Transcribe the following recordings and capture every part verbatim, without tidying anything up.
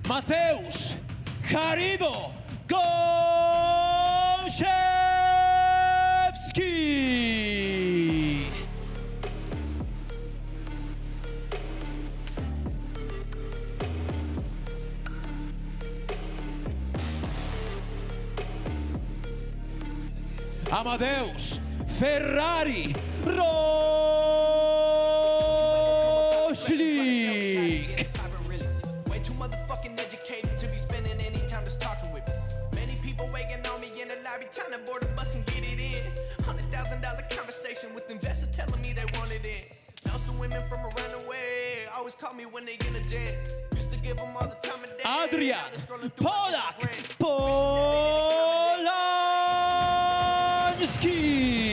Mateusz Haribo Gąsiewski. Amadeusz Ferrari Roślik. Way too motherfucking educated to be spending any time just talking with me. Many people waiting on me in the lobby, time to board the bus and get it in. Hundred thousand dollar conversation with investors telling me they want it in. Now some women from around the way always call me when they in a jet. Used to give them all the time of day. Adrian Now they're scrolling through my Polak brain. Polański.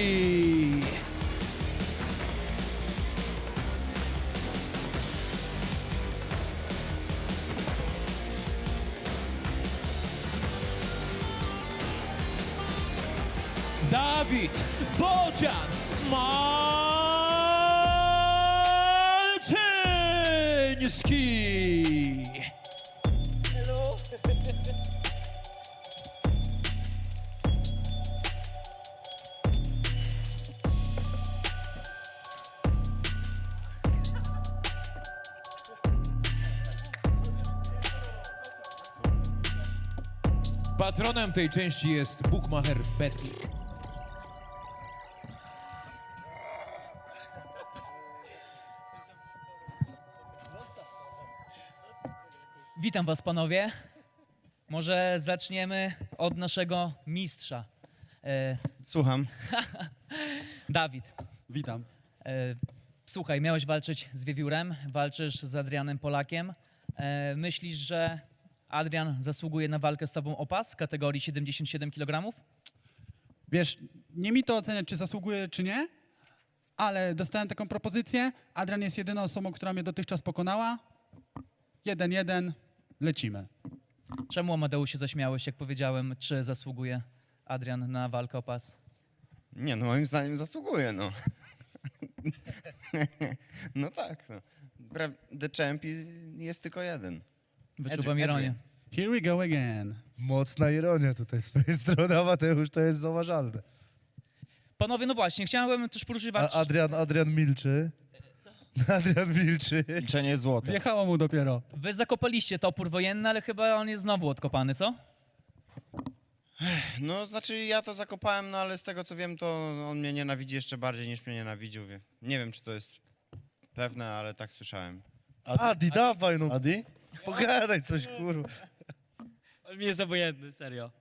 Dawid Bodzian Malczyński. Patronem tej części jest Bookmacher Betclick. Witam was, panowie. Może zaczniemy od naszego mistrza. E, Słucham. Dawid, Witam. e, słuchaj, miałeś walczyć z Wiewiórem, walczysz z Adrianem Polakiem. E, myślisz, że Adrian zasługuje na walkę z tobą o pas w kategorii siedemdziesiąt siedem kilogramów? Wiesz, nie mi to oceniać, czy zasługuje, czy nie, ale dostałem taką propozycję. Adrian jest jedyną osobą, która mnie dotychczas pokonała. Jeden, jeden, lecimy. Czemu, Amadeusz, się zaśmiałeś, jak powiedziałem, czy zasługuje Adrian na walkę o pas? Nie, no moim zdaniem zasługuje, no. No tak, no. Pra- The Champ jest tylko jeden. Wyczuwam Adrian. ironię. Here we go again. Mocna ironia tutaj z twojej strony, a Mateusz, to jest zauważalne. Panowie, no właśnie, chciałem też poruszyć was... A Adrian, Adrian milczy. Adrian milczy. Milczenie jest złote. Wjechało mu dopiero. Wy zakopaliście topór wojenny, ale chyba on jest znowu odkopany, co? No, znaczy ja to zakopałem, no ale z tego co wiem, to on mnie nienawidzi jeszcze bardziej niż mnie nienawidził. wie- Nie wiem, czy to jest pewne, ale tak słyszałem. Adi, dawaj no. Adi? Pogadaj coś, kurwa. On mi jest obojętny, serio.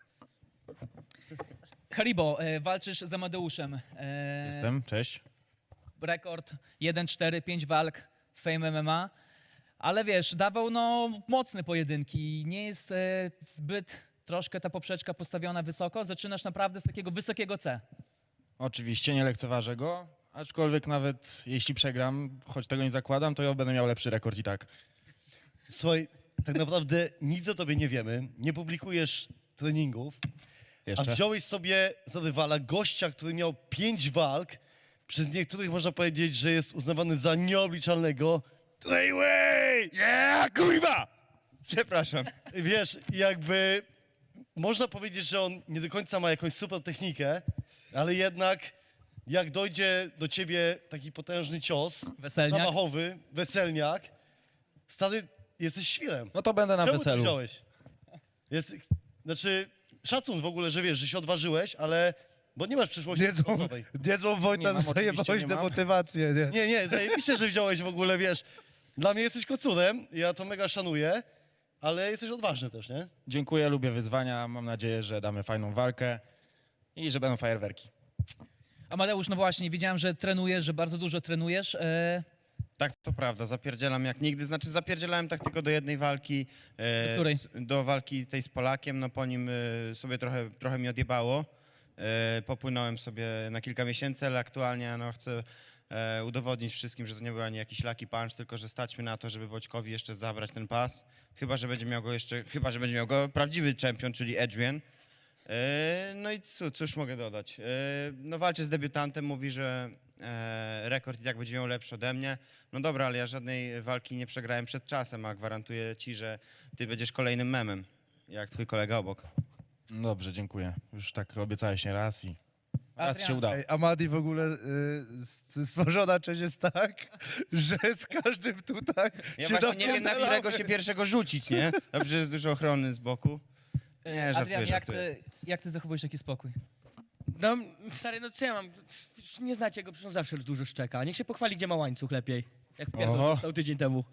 Haribo, e, walczysz z Amadeuszem. E, Jestem, cześć. Rekord jeden cztery, pięć walk w Fame M M A. Ale wiesz, dawał no mocne pojedynki. Nie jest e, zbyt troszkę ta poprzeczka postawiona wysoko. Zaczynasz naprawdę z takiego wysokiego C. Oczywiście nie lekceważę go, aczkolwiek nawet jeśli przegram, choć tego nie zakładam, to ja będę miał lepszy rekord i tak. Słuchaj, tak naprawdę nic o tobie nie wiemy, nie publikujesz treningów, a Jeszcze. wziąłeś sobie za rywala gościa, który miał pięć walk, przez niektórych można powiedzieć, że jest uznawany za nieobliczalnego. Trayway! Yeah, kurwa! Przepraszam. Wiesz, jakby można powiedzieć, że on nie do końca ma jakąś super technikę, ale jednak jak dojdzie do ciebie taki potężny cios, Weselniak. zamachowy, weselniak, stary, jesteś świrem. No to będę na Czemu to weselu. wziąłeś? Jest, znaczy, szacun w ogóle, że wiesz, że się odważyłeś, ale, bo nie masz przyszłości Niezłą, sportowej. niezłą Nie Wojta mam, zajebałeś oczywiście nie mam. demotywację, nie? Nie, nie, zajebiście, że wziąłeś w ogóle, wiesz, dla mnie jesteś kocurem, ja to mega szanuję, ale jesteś odważny też, nie? Dziękuję, lubię wyzwania, mam nadzieję, że damy fajną walkę i że będą fajerwerki. Amadeusz, no właśnie, widziałem, że trenujesz, że bardzo dużo trenujesz. E, Tak, to prawda, zapierdzielam jak nigdy. Znaczy zapierdzielałem tak tylko do jednej walki. e, Do której? s- Do walki tej z Polakiem, no po nim e, sobie trochę, trochę mi odjebało. E, popłynąłem sobie na kilka miesięcy, ale aktualnie no, chcę e, udowodnić wszystkim, że to nie był ani jakiś lucky punch, tylko że stać mi na to, żeby Boćkowi jeszcze zabrać ten pas. Chyba, że będzie miał go jeszcze, chyba, że będzie miał go prawdziwy czempion, czyli Adrian. E, no i co, cóż mogę dodać? E, no walczy z debiutantem, mówi, że e, rekord i tak będzie miał lepszy ode mnie. No dobra, ale ja żadnej walki nie przegrałem przed czasem, a gwarantuję ci, że ty będziesz kolejnym memem, jak twój kolega obok. No dobrze, dziękuję. Już tak obiecałeś nie raz i raz Adrian, się udało. Ej, Amadi w ogóle y, s- stworzona część jest tak, że z każdym tutaj Ja się właśnie nie wiem, na dopierdalamy. którego się pierwszego rzucić, nie? Dobrze, jest dużo ochrony z boku. e, Nie, żartuję, Adrian, jak żartuję. ty, jak ty zachowujesz taki spokój? No, stary, no co ja mam? Nie znacie go, przecież on zawsze dużo szczeka. Niech się pochwali, gdzie ma łańcuch lepiej. Jak Oho. pierdol dostał tydzień temu.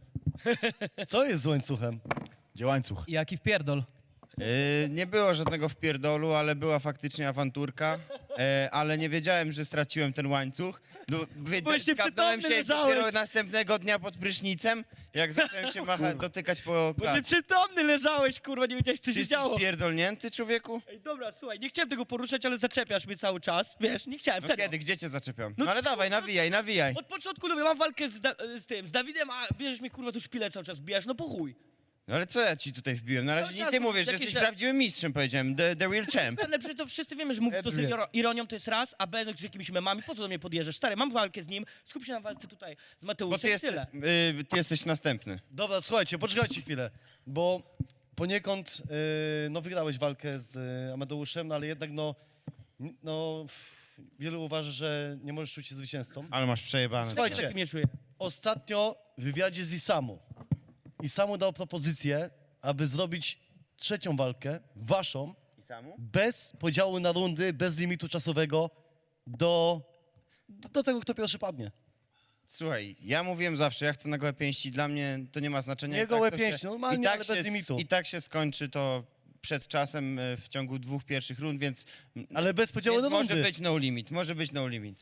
Co jest z łańcuchem? Gdzie łańcuch? Jaki wpierdol? Yy, nie było żadnego wpierdolu, ale była faktycznie awanturka, yy, ale nie wiedziałem, że straciłem ten łańcuch. No, wy- Byłeś skapnąłem nieprzytomny, się leżałeś. dopiero następnego dnia pod prysznicem, jak zacząłem się macha- dotykać po Bo ty klatce. przytomny leżałeś, kurwa, nie wiedziałeś, co Ty się jesteś działo. pierdolnięty, człowieku? Ej, dobra, słuchaj, nie chciałem tego poruszać, ale zaczepiasz mnie cały czas. Wiesz, nie chciałem, No serio. kiedy, gdzie cię zaczepiam? No No ale co? dawaj, nawijaj, nawijaj. Od początku mówię, mam walkę z, da z tym, z Dawidem, a bierzesz mnie, kurwa, tu szpilę cały czas wbijasz, no po chuj. No ale co ja ci tutaj wbiłem? Na razie Cały nie czas ty mówisz mówisz, że jakieś jesteś rzeczy. prawdziwym mistrzem, powiedziałem. The, the real champ. Ale przecież to wszyscy wiemy, że mówisz to z tym iro- ironią, to jest raz, a B z jakimiś memami, po co do mnie podjeżdżasz? Stary, mam walkę z nim, skup się na walce tutaj z Bo Mateuszem ty, i jest, tyle. yy, ty jesteś następny. Dobra, słuchajcie, poczekajcie chwilę, bo poniekąd yy, no wygrałeś walkę z y, Amadeuszem, no ale jednak no, n- no f- wielu uważa, że nie możesz czuć się zwycięzcą. Ale masz przejebane. Słuchajcie. Tak mnie czuję. Ostatnio w wywiadzie z Isamu, Isamu dał propozycję, aby zrobić trzecią walkę, waszą, I samu? bez podziału na rundy, bez limitu czasowego do, do, do tego, kto pierwszy padnie. Słuchaj, ja mówiłem zawsze, ja chcę na gołe pięści, dla mnie to nie ma znaczenia. Nie I gołe to pięści, się- normalnie, i tak ale bez się, limitu. I tak się skończy to przed czasem e, w ciągu dwóch pierwszych rund, więc, Ale bez podziału więc na może rundy. być no limit, może być no limit.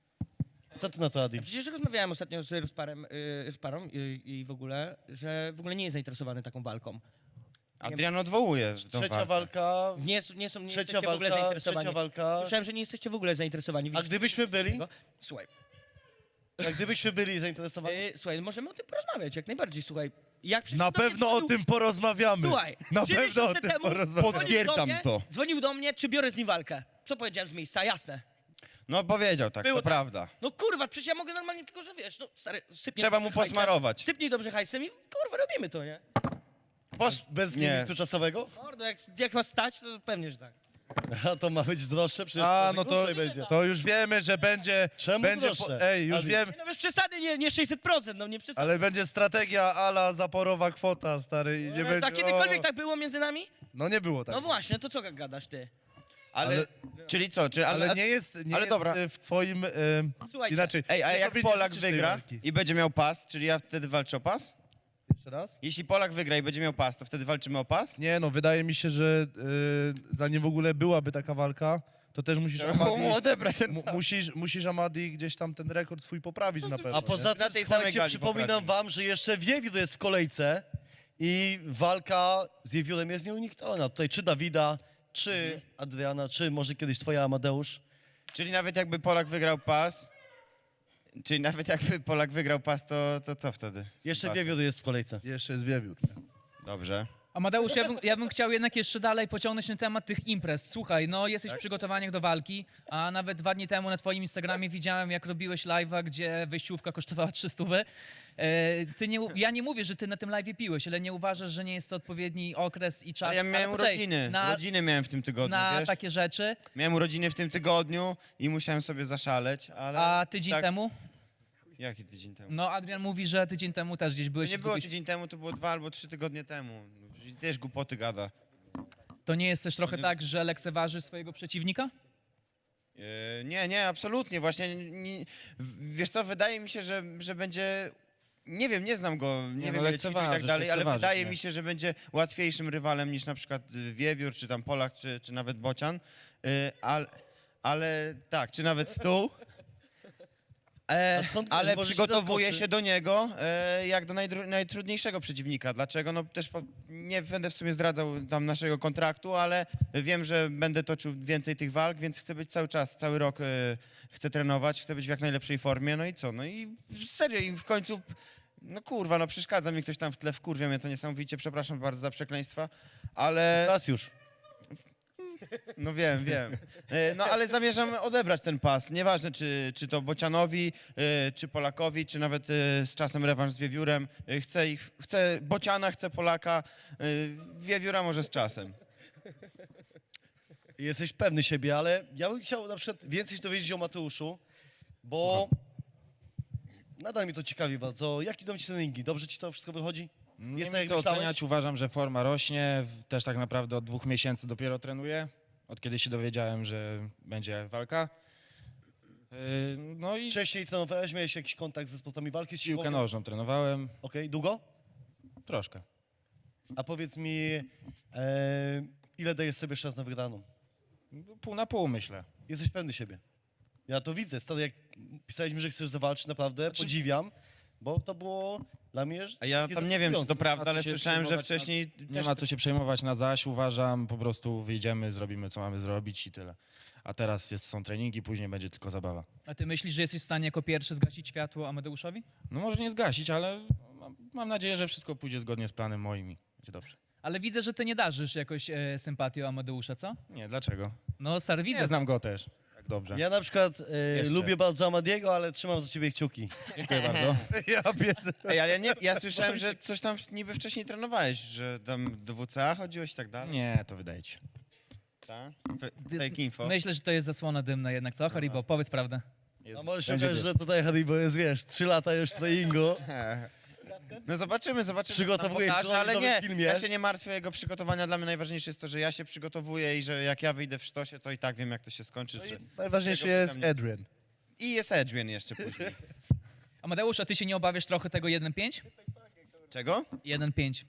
Co ty na to, Adi? Przecież rozmawiałem ostatnio z Rozparem, yy, z parą yy, i w ogóle, że w ogóle nie jest zainteresowany taką walką. Adrian odwołuje tą Trzecia walkę. walka, Nie, nie są, nie trzecia jesteście w ogóle walka, zainteresowani. trzecia walka. Słyszałem, że nie jesteście w ogóle zainteresowani. A Widzicie gdybyśmy byli, tego? Słuchaj, a gdybyśmy byli zainteresowani, yy, słuchaj, możemy o tym porozmawiać, jak najbardziej, słuchaj. Jak przecież Na do mnie pewno o dzwonił- tym porozmawiamy. Słuchaj, Na trzy pewno o miesiące tym temu porozmawiamy. dzwonił do Potwierdzam mnie- to. Dzwonił do mnie, czy biorę z nim walkę. Co powiedziałem z miejsca, jasne. No powiedział tak, Było to tak. prawda. No kurwa, przecież ja mogę normalnie, tylko że wiesz, no stary, sypnij Trzeba dobrze mu hajsem, posmarować. Sypnij dobrze hajsem i kurwa, robimy to, nie? Pos... bez nie. limitu czasowego, Mordo, jak, jak was stać, to pewnie, że tak. a to ma być droższe, przecież A, może no to, krócej będzie. to już wiemy, że będzie... Czemu będzie droższe? Ej, już Adi? wiem, Nie, no bez przesady, nie, nie sześćset procent, no nie przesady. ale będzie strategia ala zaporowa kwota, stary, i nie No, będzie... a kiedykolwiek o, tak było między nami? No nie było tak. No właśnie, to co gadasz ty? Ale, Ale- czyli co, czy, ale, Ale nie jest, nie ale jest dobra. y, w twoim... Y, Słuchajcie. inaczej. Ej, a ty jak sobie nie Polak życzysz tej wygra walki. i będzie miał pas, czyli ja wtedy walczę o pas? Jeszcze raz? Jeśli Polak wygra i będzie miał pas, to wtedy walczymy o pas? Nie no, wydaje mi się, że y, zanim w ogóle byłaby taka walka, to też musisz Trzeba mu Amadi, odebrać ten mu, pas. musisz, musisz Amadi gdzieś tam ten rekord swój poprawić na pewno. A poza Na tym, tej samej słuchajcie, gali przypominam poprawimy. wam, że jeszcze Wiewiór jest w kolejce i walka z Wiewiórem jest nieunikniona. Tutaj czy Dawida, czy Adriana, czy może kiedyś twoja Amadeusz. Czyli nawet jakby Polak wygrał pas, czyli nawet jakby Polak wygrał pas, to, to co wtedy? z tym Jeszcze pasem? Wiewiór jest w kolejce. Jeszcze jest wiewiór. Dobrze. Amadeusz, ja bym, ja bym chciał jednak jeszcze dalej pociągnąć ten temat tych imprez. Słuchaj, no jesteś w przygotowaniach do walki, a nawet dwa dni temu na twoim Instagramie widziałem, jak robiłeś live'a, gdzie wejściówka kosztowała trzysta. E, ty nie, u- ja nie mówię, że ty na tym live'ie piłeś, ale nie uważasz, że nie jest to odpowiedni okres i czas. Ale ja ale miałem poczekaj, urodziny, na, urodziny miałem w tym tygodniu, na wiesz? takie rzeczy. Miałem urodziny w tym tygodniu i musiałem sobie zaszaleć, ale... A tydzień tak- temu? Jaki tydzień temu? No Adrian mówi, że tydzień temu też gdzieś To byłeś. nie i było zgubiłeś- tydzień temu, to było dwa albo trzy tygodnie temu. I też głupoty gada. To nie jest też trochę tak, że lekceważy swojego przeciwnika? E, Nie, nie, absolutnie. Właśnie, nie, nie, w- wiesz co, wydaje mi się, że, że będzie... Nie wiem, nie znam go, nie, Nie, wiem no, ile ćwiczył i tak lekceważysz, dalej, ale lekceważysz wydaje mnie. mi się, że będzie łatwiejszym rywalem niż na przykład y, Wiewiór, czy tam Polak, czy, czy nawet Bocian. Y, ale, ale tak, czy nawet Stół. E, A skąd wiesz, ale może ci przygotowuję zaskoczy? się do niego e, jak do najdru- najtrudniejszego przeciwnika. Dlaczego? No też po, nie będę w sumie zdradzał tam naszego kontraktu, ale wiem, że będę toczył więcej tych walk, więc chcę być cały czas, cały rok e, chcę trenować, chcę być w jak najlepszej formie. No i co? No i serio, i w końcu, no kurwa, no przeszkadza mi ktoś tam w tle, wkurwia mnie to niesamowicie, przepraszam bardzo za przekleństwa, ale Teraz już. No wiem, wiem. E, No ale zamierzam odebrać ten pas. Nieważne, czy, czy to Bocianowi, e, czy Polakowi, czy nawet e, z czasem rewanż z Wiewiórem. E, Chcę ich, chcę Bociana, chcę Polaka, e, Wiewióra może z czasem. Jesteś pewny siebie, ale ja bym chciał na przykład więcej się dowiedzieć o Mateuszu, bo nadal mnie to ciekawi bardzo. Jak idą ci treningi? Dobrze ci to wszystko wychodzi? Nie Jest wiem, tak, jak to myślałeś? oceniać. Uważam, że forma rośnie. W- Też tak naprawdę od dwóch miesięcy dopiero trenuję. Od kiedy się dowiedziałem, że będzie walka. Yy, No i Wcześniej trenowałeś, miałeś jakiś kontakt ze sportami walki? piłkę Okej, nożną trenowałem. długo? Troszkę. A powiedz mi, e, ile dajesz sobie szans na wygraną? Pół na pół, myślę. Jesteś pewny siebie. Ja to widzę. Stary, jak pisałeś mi, że chcesz zawalczyć, naprawdę podziwiam, bo to było dla mnie A ja takie tam nie wiem, czy to zaskakujące. prawda, A co ale się słyszałem, że przejmować wcześniej Nie też... ma co się przejmować na zaś. Uważam, po prostu wyjdziemy, zrobimy, co mamy zrobić i tyle. A teraz jest, są treningi, później będzie tylko zabawa. A ty myślisz, że jesteś w stanie jako pierwszy zgasić światło Amadeuszowi? No może nie zgasić, ale mam, mam nadzieję, że wszystko pójdzie zgodnie z planem moim i będzie dobrze. Ale widzę, że ty nie darzysz jakoś e, sympatią Amadeusza, co? Nie, dlaczego? No, stary, widzę. Nie znam go też. Tak dobrze. Ja na przykład e, Jeszcze. lubię bardzo Amadiego, ale trzymam za ciebie kciuki. Dziękuję bardzo. Ja pierd... Ej, ale nie, ja słyszałem, że coś tam niby wcześniej trenowałeś, że tam do W C A chodziłeś i tak dalej. Nie, to wydaje ci się. Ta? Fe- Fake info. Myślę, że to jest zasłona dymna jednak, co, Haribo? Powiedz prawdę. Jest, A może się będzie okazać, wiesz. że tutaj Haribo jest, wiesz, trzy lata już treningu. No zobaczymy, zobaczymy. Przygotowujesz co nam pokaże, go na ale nowym nie, filmie? ja się nie martwię o jego przygotowania. Dla mnie najważniejsze jest to, że ja się przygotowuję i że jak ja wyjdę w sztosie, to i tak wiem, jak to się skończy. Czy... Najważniejszy Tego jest pytam nie- Adrian. I jest Adrian jeszcze później. Amadeusz, a ty się nie obawiasz trochę tego jeden pięć? Czego? jeden pięć.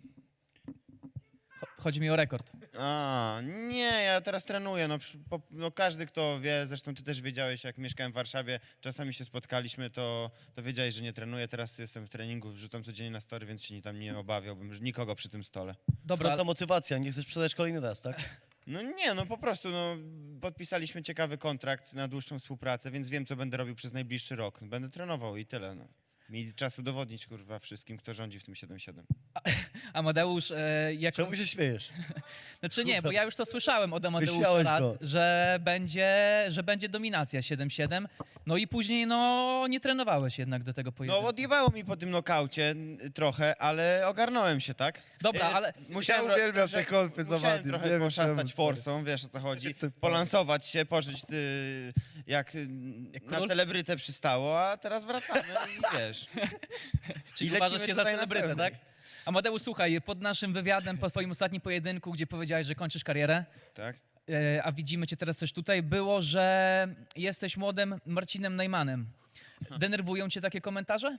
Cho- Chodzi mi o rekord. A, nie, ja teraz trenuję. No, przy- po, no każdy, kto wie, zresztą ty też wiedziałeś, jak mieszkałem w Warszawie, czasami się spotkaliśmy, to, to wiedziałeś, że nie trenuję. Teraz jestem w treningu, wrzucam codziennie na story, więc się ni- tam nie obawiałbym, że nikogo przy tym stole. Dobra, Skąd ta motywacja? Nie chcesz sprzedać kolejny raz, tak? No nie, no po prostu, no, podpisaliśmy ciekawy kontrakt na dłuższą współpracę, więc wiem, co będę robił przez najbliższy rok. Będę trenował i tyle, no. Mi czas udowodnić, kurwa, wszystkim, kto rządzi w tym siedem siedem. Amadeusz, e, jak... Czemu się śmiejesz? Znaczy nie, bo ja już to słyszałem od Amadeusza Wyśmiałeś raz, go. że będzie, że będzie dominacja siedem siedem. No i później, no, nie trenowałeś jednak do tego No pojedynku. odjebało mi po tym nokaucie n- trochę, ale ogarnąłem się, tak? Dobra, E, ale Musiałem, Ja uwielbiam ro- te trochę- konfy z musiałem Amadim, trochę nie wiem poszastać czemu, forsą, wiesz o co chodzi, Jestem fanem. polansować się, pożyć y, jak, y, na król? celebrytę przystało, a teraz wracamy i wiesz. czyli i uważasz lecimy się za tutaj na celebrytę, pełnej. tak? Amadeusz, słuchaj, pod naszym wywiadem, po twoim ostatnim pojedynku, gdzie powiedziałeś, że kończysz karierę, Tak? e, a widzimy cię teraz też tutaj, było, że jesteś młodym Marcinem Najmanem. Denerwują cię takie komentarze?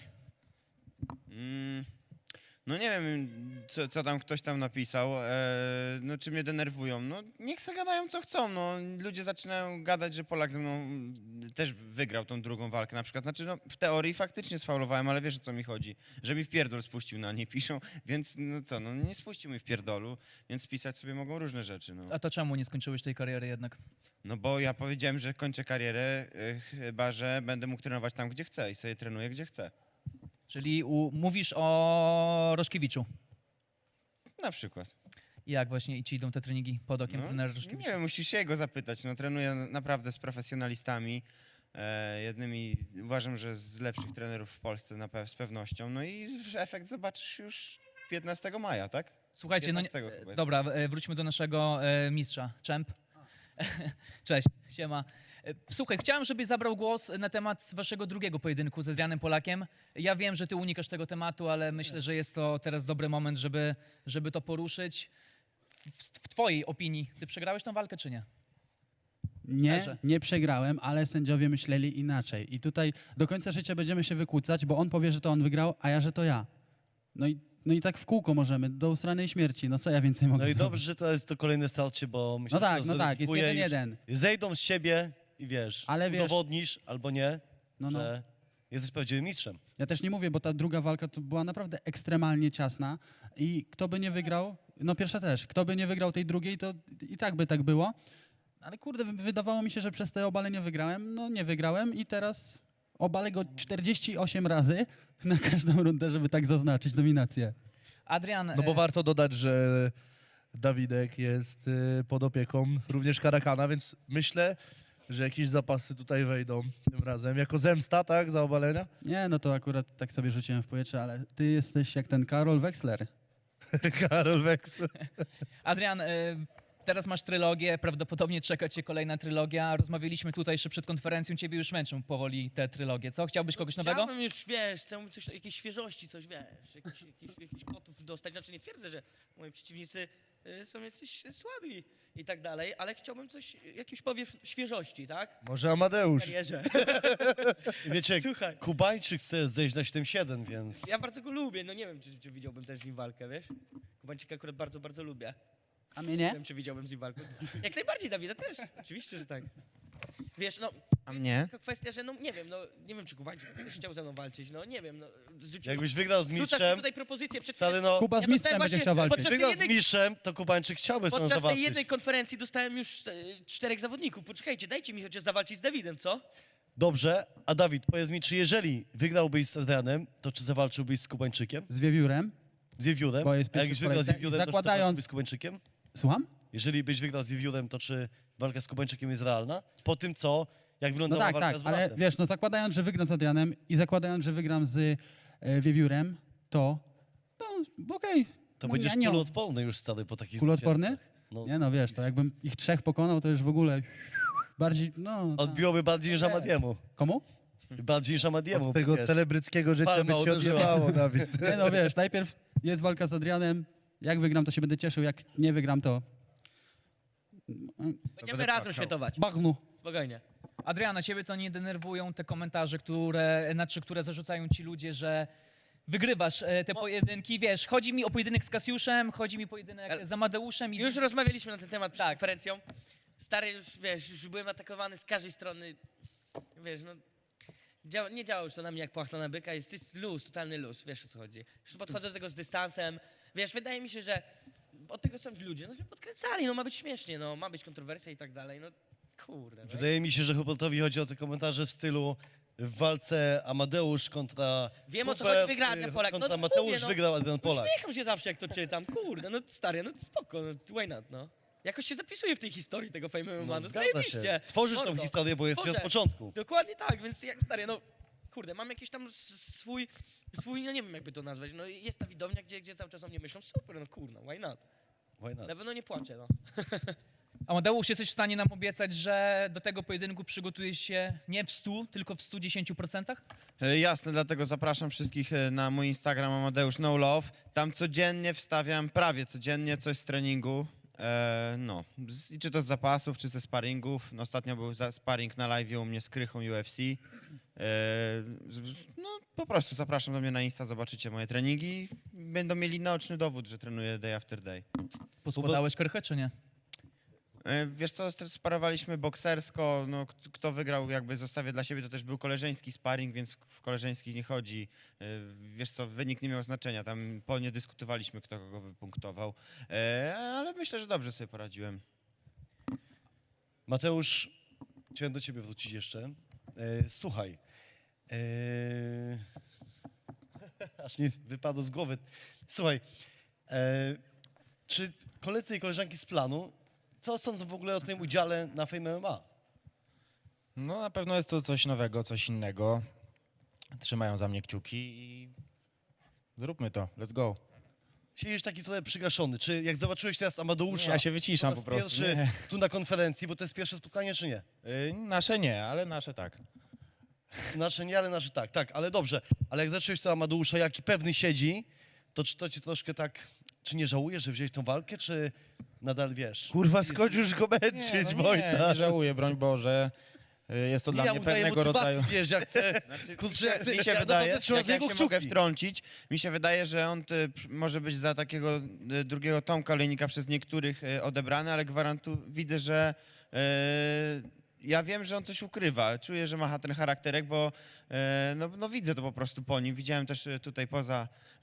Mm, no nie wiem, co, co tam ktoś tam napisał, e, no czy mnie denerwują. No niech se gadają co chcą, no ludzie zaczynają gadać, że Polak ze mną mm, też wygrał tą drugą walkę na przykład. Znaczy no w teorii faktycznie sfaulowałem, ale wiesz o co mi chodzi, że mi w pierdol spuścił na nie piszą, więc no co, no nie spuścił mi w pierdolu, więc pisać sobie mogą różne rzeczy, no. A to czemu nie skończyłeś tej kariery jednak? No bo ja powiedziałem, że kończę karierę, e, chyba że będę mógł trenować tam, gdzie chcę i sobie trenuję, gdzie chcę. Czyli u, mówisz o Roszkiewiczu. Na przykład. Jak właśnie ci idą te treningi pod okiem trenera Nie Roszkiewicza? wiem, musisz się jego zapytać. No, trenuję naprawdę z profesjonalistami. E, jednymi, uważam, że z lepszych trenerów w Polsce na pe- z pewnością. No i efekt zobaczysz już piętnastego maja, tak? Słuchajcie, no nie, piętnastego chyba jest. dobra, e, wróćmy do naszego e, mistrza, Czemp. Cześć, siema. E, Słuchaj, chciałem, żebyś zabrał głos na temat waszego drugiego pojedynku z Adrianem Polakiem. Ja wiem, że ty unikasz tego tematu, ale myślę, że jest to teraz dobry moment, żeby, żeby to poruszyć. W, w twojej opinii, ty przegrałeś tą walkę, czy nie? Nie, Szczerze. nie przegrałem, ale sędziowie myśleli inaczej. I tutaj do końca życia będziemy się wykłócać, bo on powie, że to on wygrał, a ja, że to ja. No i, no i tak w kółko możemy, do usranej śmierci. No co ja więcej mogę No i zrobić? dobrze, że to jest to kolejne starcie, bo myślę, No tak, że no to tak, jest zweryfikuje jeden, już- jeden. Zejdą z siebie i wiesz, Ale wiesz- udowodnisz albo nie, No, no. że jesteś prawdziwym mistrzem. Ja też nie mówię, bo ta druga walka to była naprawdę ekstremalnie ciasna i kto by nie wygrał, no pierwsza też, kto by nie wygrał tej drugiej, to i tak by tak było. Ale kurde, wy- wydawało mi się, że przez te obale nie wygrałem. No nie wygrałem i teraz obalę go czterdzieści osiem razy na każdą rundę, żeby tak zaznaczyć dominację. Adrian, No bo e, warto dodać, że Dawidek jest y, pod opieką również Karakana, więc myślę, że jakieś zapasy tutaj wejdą tym razem. Jako zemsta, tak, za obalenia? Nie, no to akurat tak sobie rzuciłem w powietrze, ale ty jesteś jak ten Karol Wexler. Karol Wexler. Adrian, y, teraz masz trylogię, prawdopodobnie czeka cię kolejna trylogia. Rozmawialiśmy tutaj jeszcze przed konferencją, ciebie już męczą powoli te trylogie. Co, chciałbyś kogoś nowego? Chciałbym już, wiesz, chciałbym coś, jakiejś świeżości, coś, wiesz, jakiś, jakiś, jakiś kotów dostać. Znaczy nie twierdzę, że moi przeciwnicy y, są jacyś słabi i tak dalej, ale chciałbym coś, jakiś powiew świeżości, tak? Może W Amadeusz. karierze. Wiecie, Słuchaj. Kubańczyk chce zejść na siedem siedem, więc... Ja bardzo go lubię, no nie wiem, czy, czy widziałbym też z nim walkę, wiesz? Kubańczyka akurat bardzo, bardzo lubię. A mnie Nie nie? wiem, czy widziałbym z nim walkę. Jak najbardziej, Dawida też. Oczywiście, że tak. Wiesz, no, A mnie? taka kwestia, że no nie wiem, no nie wiem, czy Kubańczyk też chciał ze mną walczyć, no nie wiem, no. Zrzucił, Jakbyś wygrał z rzucasz mi mistrzem, tutaj propozycję przed stary, no, Kuba z Ja mistrzem dostałem będzie właśnie chciał walczyć. podczas- wygrał z jednej- mistrzem, to Kubańczyk chciałby z nami Podczas tej zawalczyć. jednej konferencji dostałem już e, czterech zawodników. Poczekajcie, dajcie mi chociaż zawalczyć z Dawidem, co? Dobrze, a Dawid, powiedz mi, czy jeżeli wygrałbyś z Adrianem, to czy zawalczyłbyś z Kubańczykiem? Z wiewiórem. Z Wiewiórem? Bo jest A jak pierwszy byś w wygrał z kolejce. Wiewiórem, to czy Zakładając- zawalczyłbyś z Kubańczykiem? Słucham? Jeżeli byś wygrał z Wiewiórem, to czy walka z Kubańczykiem jest realna? Po tym, co, jak No wyglądała tak, walka tak, z ale Wolatem. wiesz, no zakładając, że wygram z Adrianem i zakładając, że wygram z e, wiewiórem, to no okej. To no, będziesz nie, nie. kuloodporny już stary po takich Kuloodporny? zwycięstwach. No, Nie no, wiesz, to jakbym ich trzech pokonał, to już w ogóle bardziej, no... tak. odbiłoby bardziej niż Nie. Amadiemu. Komu? Bardziej niż Amadiemu. Od tego wiesz. celebryckiego życia Palma by cię uderzyła. odjebało, Dawid. Nie no, wiesz, najpierw jest walka z Adrianem, jak wygram, to się będę cieszył, jak nie wygram, to Będziemy będę razem płakał. świętować. bagnu. Spokojnie. Adriana, ciebie to nie denerwują te komentarze, które, znaczy, które zarzucają ci ludzie, że wygrywasz e, te pojedynki, wiesz, chodzi mi o pojedynek z Kasiuszem, chodzi mi o pojedynek Ale- z Amadeuszem i Już rozmawialiśmy na ten temat przed Tak. konferencją. Stary, już wiesz, już byłem atakowany z każdej strony. Wiesz, no. Działa, nie działa już to na mnie jak płachta na byka, jest, jest luz, totalny luz, wiesz o co chodzi. Już podchodzę do tego z dystansem. Wiesz, wydaje mi się, że od tego są ludzie, no że podkręcali, no ma być śmiesznie, no ma być kontrowersja i tak dalej, no kurde. No. Wydaje mi się, że Hubertowi chodzi o te komentarze w stylu w walce Amadeusz kontra Wiem, o co Hubert, chodzi, wygra y, Adrian Polak. No, kontra mówię, Mateusz, no. wygrał Adrian Polak. Uśmiecham się zawsze, jak to czytam, kurde, no stary, no spoko, no why not, no. Jakoś się zapisuje w tej historii tego Fame M M A, No, no zgadza zajebiście. się. Tworzysz tą Mordo. historię, bo jesteś od Tworzę. początku. Dokładnie tak, więc jak stary, no kurde, mam jakiś tam s- swój, swój, no nie wiem jakby to nazwać, no i jest ta widownia, gdzie, gdzie cały czas o mnie myślą, super, no kurno, why not. Why not? Na pewno nie płaczę, no. Amadeusz, jesteś w stanie nam obiecać, że do tego pojedynku przygotujesz się nie w stu, tylko w stu dziesięciu procentach? E, Jasne, dlatego zapraszam wszystkich e, na mój Instagram Amadeusz No Love. Tam codziennie wstawiam, prawie codziennie coś z treningu. E, no, z, i czy to z zapasów, czy ze sparingów. No, ostatnio był za, sparring na live u mnie z Krychą U F C. E, z, z- no, po prostu zapraszam do mnie na Insta, zobaczycie moje treningi. Będą mieli naoczny dowód, że trenuję day after day. Poskładałeś krychę, czy nie? E, Wiesz co, st- sparowaliśmy boksersko, no, k- kto wygrał jakby zostawię dla siebie, to też był koleżeński sparring, więc w koleżeńskich nie chodzi. E, Wiesz co, wynik nie miał znaczenia, tam po nie dyskutowaliśmy, kto kogo wypunktował, E, ale myślę, że dobrze sobie poradziłem. Mateusz, chciałem do ciebie wrócić jeszcze. E, słuchaj. E, aż mi wypadło z głowy. Słuchaj, e, czy koledzy i koleżanki z planu, co sądzą w ogóle o twoim udziale na Fame M M A? No na pewno jest to coś nowego, coś innego. Trzymają za mnie kciuki i zróbmy to, let's go. Siedzisz taki trochę przygaszony. Czy jak zobaczyłeś teraz Amadeusza Ja się wyciszam po raz po prostu. pierwszy Nie. tu na konferencji, bo to jest pierwsze spotkanie, czy nie? Y, Nasze nie, ale nasze tak. Nasze nie, ale nasze tak. Tak, ale dobrze. Ale jak zacząłeś to Amadeusza, jaki pewny siedzi, to czy to ci troszkę tak... Czy nie żałujesz, że wziąłeś tą walkę, czy nadal wiesz? Kurwa, skończ już go Nie, męczyć, no nie, Wojta. nie żałuję, broń Boże. Y, Jest to dla ja mnie mu daję pewnego motywacji, rodzaju... wiesz, jak chcę... Kurczę, ja chcę, Mi się ja wydaje, naprawdę trzymam jak, za jak niego się mogę kciuki. wtrącić, mi się wydaje, że on y, pr- może być za takiego y, drugiego Tomka Olejnika przez niektórych y, odebrany, ale gwarantu widzę, że y, ja wiem, że on coś ukrywa. Czuję, że ma ten charakterek, bo e, no, no widzę to po prostu po nim. Widziałem też e, tutaj poza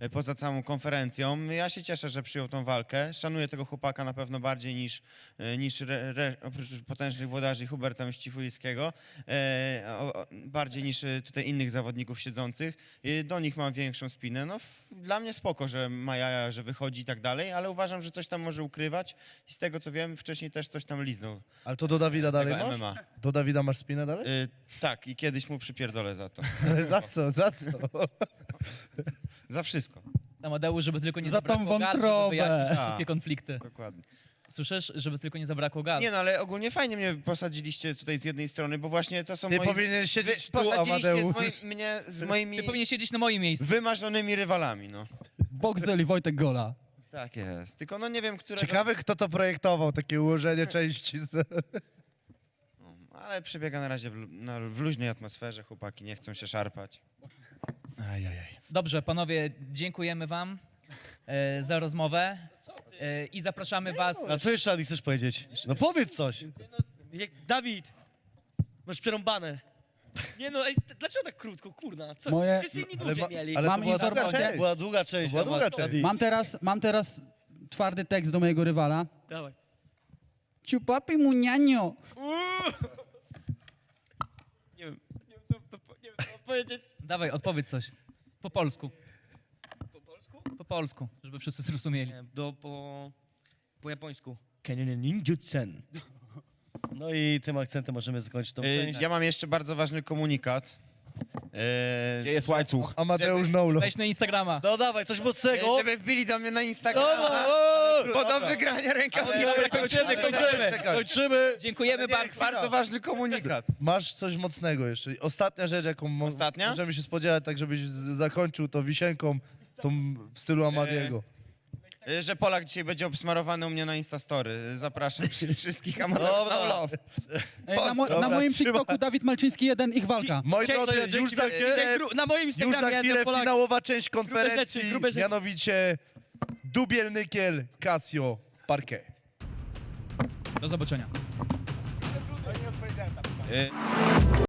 e, poza całą konferencją. Ja się cieszę, że przyjął tą walkę. Szanuję tego chłopaka na pewno bardziej niż, e, niż re, re, oprócz potężnych włodarzy Huberta Mścifujskiego, e, o, o, bardziej niż e, tutaj innych zawodników siedzących. E, do nich mam większą spinę. No, f, dla mnie spoko, że ma jaja, że wychodzi i tak dalej, ale uważam, że coś tam może ukrywać i z tego co wiem, wcześniej też coś tam liznął. Ale to do Dawida dalej Tego masz? M M A. Do Dawida masz spinę dalej? E, tak, i kiedyś mu przypierdolę za to. Ale za co, za co? Za wszystko. Amadeusz, żeby tylko nie Za tą zabrakło gard, żeby wątrobę. wyjaśnić te Tak. wszystkie konflikty. Dokładnie. Słyszysz? Żeby tylko nie zabrakło gard. Nie no, ale ogólnie fajnie mnie posadziliście tutaj z jednej strony, bo właśnie to są Ty moi... powinien siedzieć Wy tu, posadziliście Amadeusz. z moi, mnie z moimi Ty powinien siedzieć na moim miejscu. wymarzonymi rywalami, no. Boxel i Wojtek Gola. Tak jest. Tylko no nie wiem, którego... Ciekawe, kto to projektował, takie ułożenie części. z- No, ale przebiega na razie w, lu- na, w luźnej atmosferze, chłopaki nie chcą się szarpać. Ajajaj. Dobrze, panowie, dziękujemy wam e, za rozmowę e, i zapraszamy was. A co jeszcze, Adi, chcesz powiedzieć? No powiedz coś. Jak, Dawid, masz przerąbane. Nie no, ej, st- dlaczego tak krótko, kurna? Co? Moje- Wszyscy inni Ale dłużej ma- mieli. ale to Mam była długa informację. część. Była długa część. była długa Adi. część. Mam teraz, mam teraz twardy tekst do mojego rywala. Dawaj. Ciupapi munianio. Nie wiem, nie wiem co, to, po- nie wiem, co powiedzieć. Dawaj, odpowiedz coś. Po polsku. Po polsku? Po polsku, żeby wszyscy zrozumieli. Nie, do, po, po japońsku. Kennen ninjutsen. No i tym akcentem możemy zakończyć tą Y, część. ja mam jeszcze bardzo ważny komunikat. Y, Gdzie jest łańcuch? Amadeusz Nolo. Weź na Instagrama. No dawaj, coś mocnego. żeby wbili do mnie na Instagram. No, no, o, Bo do wygrania rękaw. Dobra, kończymy, kończymy. Kończymy. Dziękujemy bardzo. Bardzo ważny komunikat. Masz coś mocnego jeszcze. Ostatnia rzecz, jaką mo- Ostatnia? możemy się spodziewać, tak żebyś z- zakończył to wisienką, tą w stylu Amadiego. Y, Że Polak dzisiaj będzie obsmarowany u mnie na Instastory. Zapraszam przy- wszystkich Amadeusz Dobra. no love. Ej, na, mo- na Dobra, moim trzymaj. TikToku Dawid Malczyński jeden, ich walka. Moi Dzięki, drodzy, dzięki już za wielkie. chwilę, Gru- Na moim już Instagramie za jeden chwilę Polak. finałowa część konferencji, rzeczy, grube rzeczy. mianowicie Dubiel Nykiel, Casio, Parquet. Do zobaczenia. Y,